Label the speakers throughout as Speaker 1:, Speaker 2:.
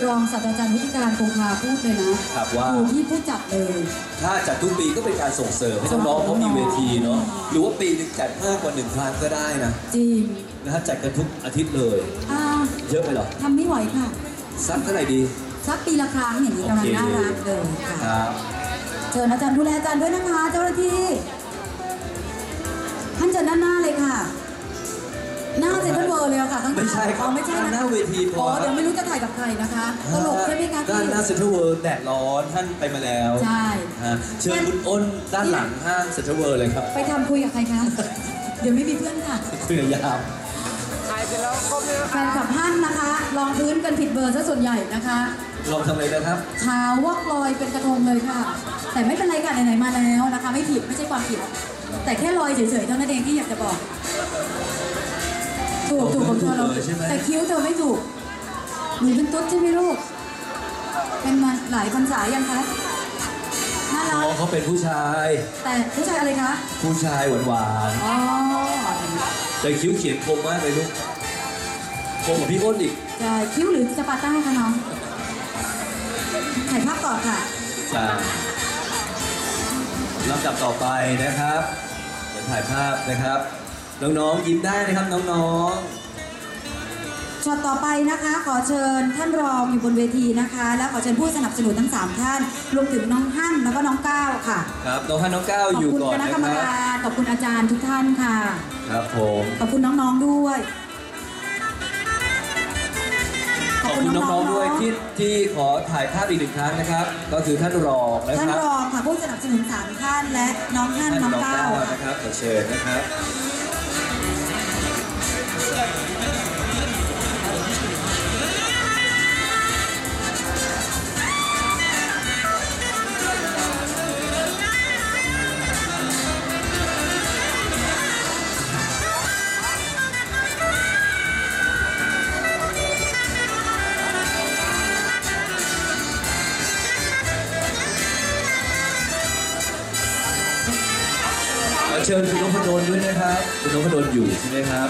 Speaker 1: รองศาสตราจารย์วิทยการคงคาพูดเลยนะครับว่าอยู่ที่ผู้จัดเลย
Speaker 2: ถ้าจัดทุกปีก็เป็นการส่งเสริมให้น้องๆเขามีเวทีเนาะหรือว่าปีนึงจัดมากกว่า1 ครั้งก็ได้นะ
Speaker 1: จริง
Speaker 2: นะฮะจัดกันทุกอาทิตย์เลยเยอะไปหรอ
Speaker 1: ทำไม่ไหวค่ะ
Speaker 2: สักเท่าไหร่ดี
Speaker 1: สักปีละครั้งอย่างนี้กำลังน่ารักเลยค่ะเชิญอาจารย์ดูแลอาจารย์ด้วยนะคะเจ้าหน้าที่ท่านเชิญด้านหน้าเลยค่ะหน้าเซ็นทรัลเวิลด์เลยค่ะ
Speaker 2: ไม่ใช่ครับ
Speaker 1: ไม่ใช่นะ
Speaker 2: หน้าเวทีพอ
Speaker 1: เดี๋ยวไม่รู้จะถ่ายกับใครนะคะตลกใช่ไหมคะ
Speaker 2: ด้านหน้าเซ็นทรัลเวิลด์แดดร้อนท่านไปมาแล้ว
Speaker 1: ใช่
Speaker 2: เชิญคุณอ้นด้านหลังห้างเซ็นทรัลเวิลด์เลยครับ
Speaker 1: ไปทำคุยกับใครคะเดี๋ยวไม่มีเพื่อนค่ะ
Speaker 2: คุยกับยาม
Speaker 1: แฟนคลับท่านนะคะลองพื้นกันผิดเบอร์ซะส่วนใหญ่นะคะ
Speaker 2: ลองทำอะไรนะครับ
Speaker 1: ขาววอกลอยเป็นกระทงเลยค่ะแต่ไม่เป็นไรค่ะไหนๆมาแล้วนะคะไม่ผิดไม่ใช่ความผิดแต่แค่ลอยเฉยๆเท่านั้นเองที่อยากจะบอกถูกของเธอเราแต่คิ้วเธอไม่ถูกหนูเป็นตุ๊ดใช่ไหมลูกเป็นมาหลายพรรษายังคะน่ารัก
Speaker 2: เขาเป็นผู้ชาย
Speaker 1: แต่ผู้ชายอะไรคะ
Speaker 2: ผู้ชายหวาน
Speaker 1: ๆอ๋อ
Speaker 2: แต่คิ้วเขียนคมมากเลยลูกคมกว่าพี่อ้นอีก
Speaker 1: ใช่คิ้วหรือสปาร์ต้าคะน้องถ่ายภาพต่อค่ะ
Speaker 2: ใช่ลำดับต่อไปนะครับเดี๋ยวถ่ายภาพนะครับน้องๆยิ้มได้นะครับน้อง
Speaker 1: ๆช็อตต่อไปนะคะขอเชิญท่านรองอยู่บนเวทีนะคะแล้วขอเชิญผู้สนับสนุนทั้ง3ท่านรวมถึงน้องฮั่นแล้วก็น้องก้าวค่ะ
Speaker 2: ครับน้องฮั่นน้องก้าวอยู่ก่อน
Speaker 1: นะครับขอบคุณคณะกรรมการขอบคุณอาจารย์ทุกท่านค่ะ
Speaker 2: ครับผม
Speaker 1: ขอบคุณน้องๆด้วย
Speaker 2: ขอบคุณน้องๆด้วยที่ขอถ่ายภาพอีก1 ครั้งนะครับก็คือท่านรองนะครับ
Speaker 1: ท่านรองค่ะผู้สนับสนุน3ท่านและน้องฮั่นน้องก้าว
Speaker 2: นะครับขอเชิญนะครับเชิญคุณนพดลด้วยนะครับคุณนพดลอยู่ใช่ไหมครับ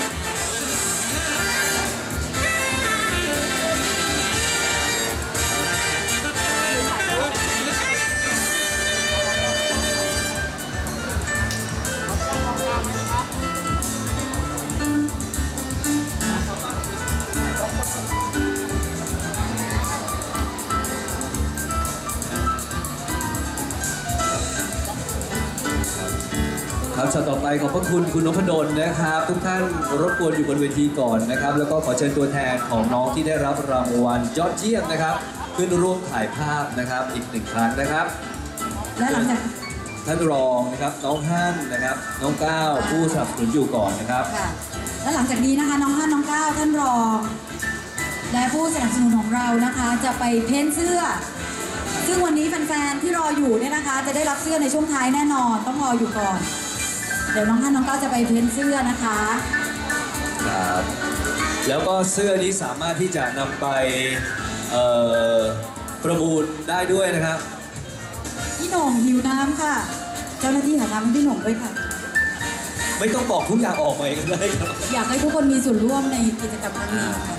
Speaker 2: ครับช็อตต่อไปขอบพระคุณคุณนพดลนะครับทุกท่านรบกวนอยู่บนเวทีก่อนนะครับแล้วก็ขอเชิญตัวแทนของน้องที่ได้รับรางวัลยอดเยี่ยมนะครับขึ้นร่วมถ่ายภาพนะครับอีก1 ครั้งนะครับ
Speaker 1: และหลังจาก
Speaker 2: ท่านรองนะครับน้องฮั่นนะครับน้องก้าวผู้สนับสนุนอยู่ก่อนนะครับ
Speaker 1: ค่ะและหลังจากนี้นะคะน้องฮั่นน้องก้าวท่านรองและผู้สนับสนุนของเรานะคะจะไปเพ้นเสื้อซึ่งวันนี้แฟนๆที่รออยู่เนี่ยนะคะจะได้รับเสื้อในช่วงท้ายแน่นอนต้องรออยู่ก่อนเดี๋ยวน้องฮั่นน้องก้าวจะไปเพ้นเสื้อนะคะ
Speaker 2: ครับแล้วก็เสื้อนี้สามารถที่จะนำไปประมูลได้ด้วยนะครับ
Speaker 1: พี่หน่งหิวน้ำค่ะเจ้าหน้าที่หาน้ำให้พี่หน่งด้วยค่ะ
Speaker 2: ไม่ต้องบอกทุกอย่างออกมาเองเลยครับ
Speaker 1: อยากให้ทุกคนมีส่วนร่วมในกิจกรรมครั้งนี้ค่ะ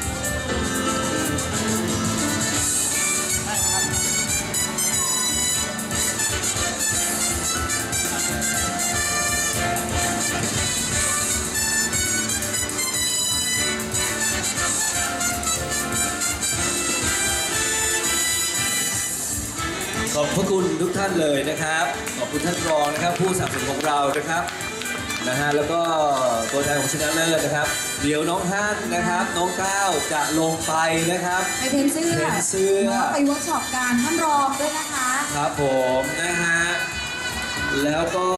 Speaker 2: ขอบพระคุณทุกท่านเลยนะครับขอบคุณท่านรองนะครับผู้สนับสนุนของเรานะครับแล้วก็ตัวแทนของชนะเลิศนะครับเดี๋ยวน้องฮั่นนะครับน้องก้าวจะลงไปนะครับ
Speaker 1: ไปเพ้นเสื้อไปเวิร์กช็อปการท่านรองด้วยนะคะ
Speaker 2: ครับผมนะฮะแล้วก็